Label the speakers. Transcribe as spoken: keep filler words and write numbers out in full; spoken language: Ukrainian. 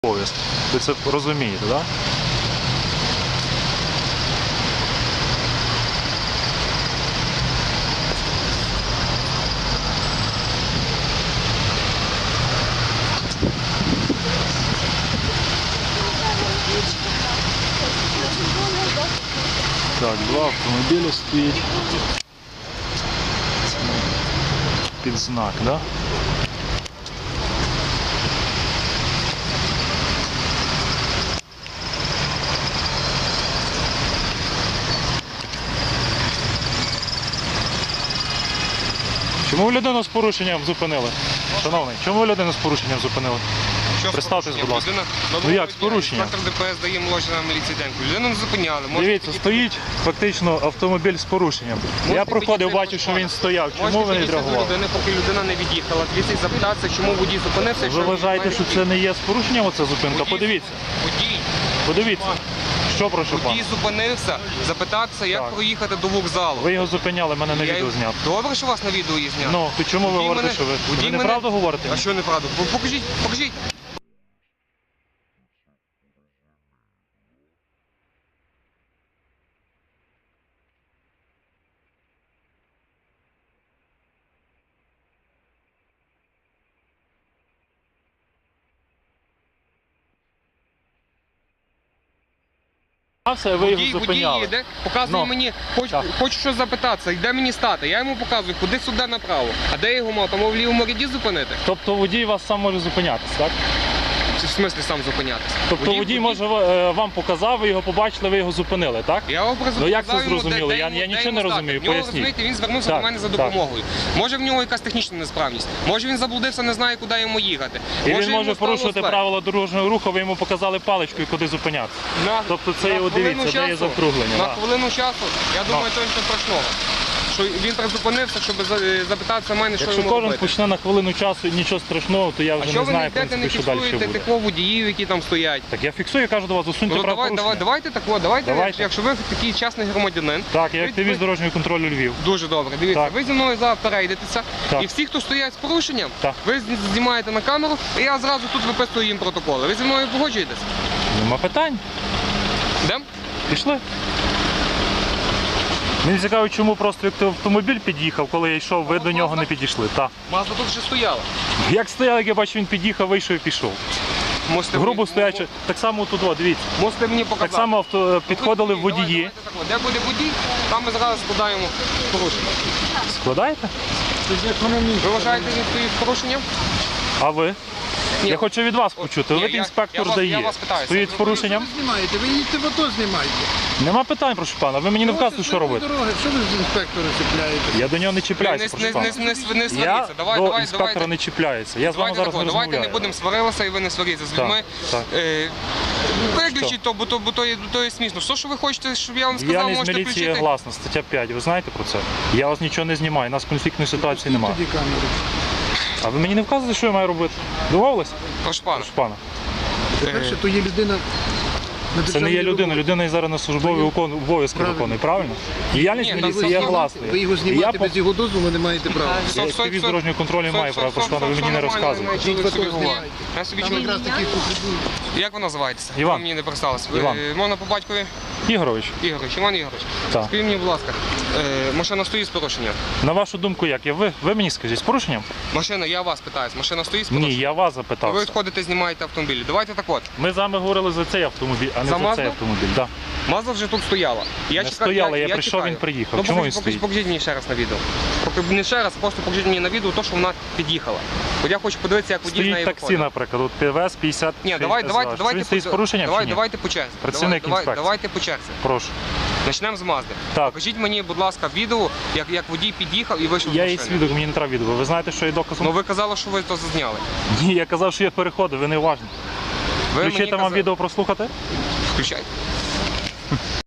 Speaker 1: поїзд. Ви це розумієте, так? Да? Так, два автомобілі стоїть під знак, да? Чому ви людину з порушенням зупинили? Шановний, чому ви людину з порушенням зупинили? Представтесь, будь ласка. Ну як, з порушенням?
Speaker 2: Інспектор ДПС дає молодшина міліції деньку. Людину не зупиняли.
Speaker 1: Дивіться, стоїть фактично автомобіль з порушенням. Я проходив, бачив, що він стояв. Чому ви не відреагували?
Speaker 2: Поки людина не від'їхала. Звідси запитатися, чому водій зупинився.
Speaker 1: Ви вважаєте, що це не є з порушенням оця зупинка? Подивіться.
Speaker 2: Водій.
Speaker 1: Подивіться. Що прошу пана?
Speaker 2: Водій зупинився, запитатися, як
Speaker 1: Так.
Speaker 2: проїхати до вокзалу.
Speaker 1: Ви його зупиняли, мене на
Speaker 2: Я-
Speaker 1: відео зняв.
Speaker 2: Добре, що вас на відео є знято.
Speaker 1: Ну, то чому ви
Speaker 2: Водій
Speaker 1: говорите,
Speaker 2: мене-
Speaker 1: що ви,
Speaker 2: водій
Speaker 1: ви
Speaker 2: мене-
Speaker 1: неправду говорите?
Speaker 2: А що неправду? Покажіть, покажіть.
Speaker 1: А все, ви його
Speaker 2: Водій, водій
Speaker 1: зупиняли.
Speaker 2: їде, показує
Speaker 1: Ну,
Speaker 2: мені, хоч,
Speaker 1: так.
Speaker 2: хочу щось запитатися, де мені стати. Я йому показую, куди сюди направо. А де я його мав? Там в лівому ряді зупинити?
Speaker 1: Тобто водій вас сам може зупинятись, так?
Speaker 2: Чи в смислі сам зупинятися?
Speaker 1: Тобто водій, може е, вам показав, ви його побачили, ви його зупинили, так?
Speaker 2: Я його просто
Speaker 1: Ну, як це
Speaker 2: показав йому,
Speaker 1: зрозуміло?
Speaker 2: де-
Speaker 1: Я-
Speaker 2: де
Speaker 1: я
Speaker 2: йому-
Speaker 1: нічого
Speaker 2: де
Speaker 1: не
Speaker 2: йому
Speaker 1: розумію,
Speaker 2: стати. В нього,
Speaker 1: поясніть.
Speaker 2: розумієте, він звернувся
Speaker 1: Так,
Speaker 2: до мене за
Speaker 1: так.
Speaker 2: допомогою. Може в нього якась технічна несправність, може він заблудився, не знає, куди йому їхати.
Speaker 1: І він
Speaker 2: йому
Speaker 1: може
Speaker 2: стало
Speaker 1: порушувати
Speaker 2: зле.
Speaker 1: правила дорожнього руху, ви йому показали паличкою, куди зупинятися.
Speaker 2: На-
Speaker 1: Тобто це
Speaker 2: на
Speaker 1: його,
Speaker 2: хвилину
Speaker 1: дивіться, де є
Speaker 2: часу-
Speaker 1: закруглення.
Speaker 2: На
Speaker 1: да.
Speaker 2: хвилину часу, я думаю, то нічого страшного. Що він призупинився, щоб за- запитатися мене, що
Speaker 1: Якщо
Speaker 2: йому
Speaker 1: кожен
Speaker 2: робити.
Speaker 1: почне на хвилину часу і нічого страшного, то я
Speaker 2: А
Speaker 1: вже
Speaker 2: що
Speaker 1: не
Speaker 2: ви не
Speaker 1: знаю, в
Speaker 2: йдете, не
Speaker 1: принципі, що далі
Speaker 2: фіксуєте
Speaker 1: буде.
Speaker 2: тих водіїв, які там стоять?
Speaker 1: Так я фіксую, я кажу до вас, засуньте
Speaker 2: Ну, давай,
Speaker 1: правопорушення.
Speaker 2: давай, давайте так, от, давайте,
Speaker 1: Давайте.
Speaker 2: якщо ви такий чесний громадянин.
Speaker 1: Так, я
Speaker 2: ви-
Speaker 1: активіст
Speaker 2: ви-
Speaker 1: дорожнього контролю Львів.
Speaker 2: Дуже добре, дивіться,
Speaker 1: Так.
Speaker 2: ви зі мною зараз перейдетеся,
Speaker 1: Так.
Speaker 2: і всі, хто стоять з порушенням,
Speaker 1: Так.
Speaker 2: ви з- знімаєте на камеру, і я зразу тут виписую їм протоколи. Ви зі мною погоджуєтесь?
Speaker 1: Нема питань.
Speaker 2: Йдемо?
Speaker 1: Пішли. Мені цікаво, чому просто як автомобіль під'їхав, коли я йшов, ви до нього не підійшли. Так.
Speaker 2: Мазда тут вже стояла.
Speaker 1: Як стояв, як я бачу, він під'їхав, вийшов і пішов.
Speaker 2: Можете
Speaker 1: Грубо
Speaker 2: мені-
Speaker 1: стоячи, так само тут, о, дивіться.
Speaker 2: Можете мені показати.
Speaker 1: Так само авто, підходили
Speaker 2: Ну, давай,
Speaker 1: водії.
Speaker 2: давайте так от. Де буде водій, там ми зараз складаємо порушення.
Speaker 1: Складаєте?
Speaker 2: Ви вважаєте, він стоїть з порушенням?
Speaker 1: А ви?
Speaker 2: Ні.
Speaker 1: Я хочу від вас почути.
Speaker 2: Ні,
Speaker 1: Ви
Speaker 2: я-
Speaker 1: інспектор
Speaker 2: я вас- я
Speaker 1: дає.
Speaker 2: вас питаюся.
Speaker 1: Стоїть з порушенням?
Speaker 3: Ви знімаєте, ви їдьте в АТО знімаєте.
Speaker 1: Нема питань, прошу пана. Ви мені не вказуєте, що робити.
Speaker 3: Дороги. Що ви з інспектора чіпляєте?
Speaker 1: Я до нього не
Speaker 2: Не,
Speaker 1: чіпляюся,
Speaker 2: не,
Speaker 1: прошу
Speaker 2: не,
Speaker 1: пана.
Speaker 2: не, не, не
Speaker 1: Я
Speaker 2: сваріться. Давай,
Speaker 1: до
Speaker 2: давай,
Speaker 1: інспектора
Speaker 2: давайте.
Speaker 1: не чіпляюся. Я з вами
Speaker 2: Давайте
Speaker 1: зараз
Speaker 2: тако,
Speaker 1: не
Speaker 2: давайте не
Speaker 1: розмовляю.
Speaker 2: будемо сварилися і ви не сваріться з
Speaker 1: Так,
Speaker 2: людьми.
Speaker 1: так.
Speaker 2: Е, Виключіть то, бо то, бо то, є, то є смішно. Все, що ви хочете, щоб я вам сказав,
Speaker 1: Діяльність
Speaker 2: можете
Speaker 1: міліції є
Speaker 2: включити.
Speaker 1: гласна, стаття п'ять. Ви знаєте про це? Я вас нічого не знімаю, у нас конфліктної ситуації немає.
Speaker 3: Тоді камеру.
Speaker 1: А ви мені не вказуєте, що я маю робити? Домовились?
Speaker 2: Прошу пана.
Speaker 1: Прошу пана.
Speaker 3: По-перше, то є людина на
Speaker 1: Це не є
Speaker 3: державній
Speaker 1: людина,
Speaker 3: дорозі.
Speaker 1: людина і зараз на службові викон- обов'язки
Speaker 3: Правильно.
Speaker 1: виконує, правильно? Діяльність
Speaker 2: Ні,
Speaker 1: міліції
Speaker 2: так
Speaker 1: є
Speaker 2: ви-
Speaker 1: гласною.
Speaker 3: Ви його
Speaker 1: І я
Speaker 3: знімати
Speaker 1: по-
Speaker 3: без його дозволу не маєте права.
Speaker 1: Я активіст дорожнього контролю маю право, прошу пана, ви мені не розказуєте.
Speaker 2: Чоловік
Speaker 3: Ні,
Speaker 2: собі
Speaker 3: ні.
Speaker 2: говорить. Я собі
Speaker 3: Там
Speaker 2: чоловік.
Speaker 3: якраз такі потребують.
Speaker 2: Як ви називаєтеся?
Speaker 1: Іван.
Speaker 2: Ви мені не представилися. Ви-
Speaker 1: Іван.
Speaker 2: Можна по батькові?
Speaker 1: Ігорович,
Speaker 2: Ігорович, Іван Ігорович.
Speaker 1: Так.
Speaker 2: Скажіть мені, будь ласка, е, машина стоїть з порушенням?
Speaker 1: на вашу думку як? Я- Ви, ви мені скажіть, з порушенням?
Speaker 2: Машина, я вас питаюсь, машина стоїть з
Speaker 1: Ні,
Speaker 2: порушенням?
Speaker 1: я вас
Speaker 2: Ви
Speaker 1: запитався.
Speaker 2: відходите, знімаєте автомобілі. Давайте так от.
Speaker 1: Ми з вами говорили за цей автомобіль, а не
Speaker 2: За
Speaker 1: за,
Speaker 2: Мазду?
Speaker 1: цей автомобіль. Да.
Speaker 2: Мазда вже тут стояла. Я
Speaker 1: Не
Speaker 2: чекаю-
Speaker 1: стояла, я прийшов,
Speaker 2: чекаю.
Speaker 1: він приїхав.
Speaker 2: Ну,
Speaker 1: Чому
Speaker 2: покажіть,
Speaker 1: він
Speaker 2: покажіть,
Speaker 1: стоїть?
Speaker 2: покажіть мені ще раз на відео. Поки не ще раз, а просто покажіть мені на відео те, що вона під'їхала. От я хочу подивитися, як водій з
Speaker 1: Стоїть
Speaker 2: неї
Speaker 1: таксі,
Speaker 2: виходить.
Speaker 1: наприклад, от Пі Ве Ес п'ятдесят.
Speaker 2: Ні, давай, давайте,
Speaker 1: Що
Speaker 2: давайте,
Speaker 1: він стоїть з
Speaker 2: по-
Speaker 1: порушенням
Speaker 2: давай,
Speaker 1: чи ні?
Speaker 2: давайте по черзі.
Speaker 1: Працівник
Speaker 2: давай,
Speaker 1: інспекції.
Speaker 2: давайте по черзі.
Speaker 1: Прошу.
Speaker 2: Почнемо з Мазди.
Speaker 1: Так.
Speaker 2: Покажіть мені, будь ласка, відео, як, як водій під'їхав і вийшов з
Speaker 1: Я
Speaker 2: машини.
Speaker 1: є свідок, мені не треба відео. Ви знаєте, що є доказом?
Speaker 2: Ну ви казали, що ви то зазняли.
Speaker 1: Ні, я казав, що я переходив, ви не уважні.
Speaker 2: Ви
Speaker 1: Включити
Speaker 2: мені
Speaker 1: вам
Speaker 2: казали-
Speaker 1: відео прослухати?
Speaker 2: Включайте.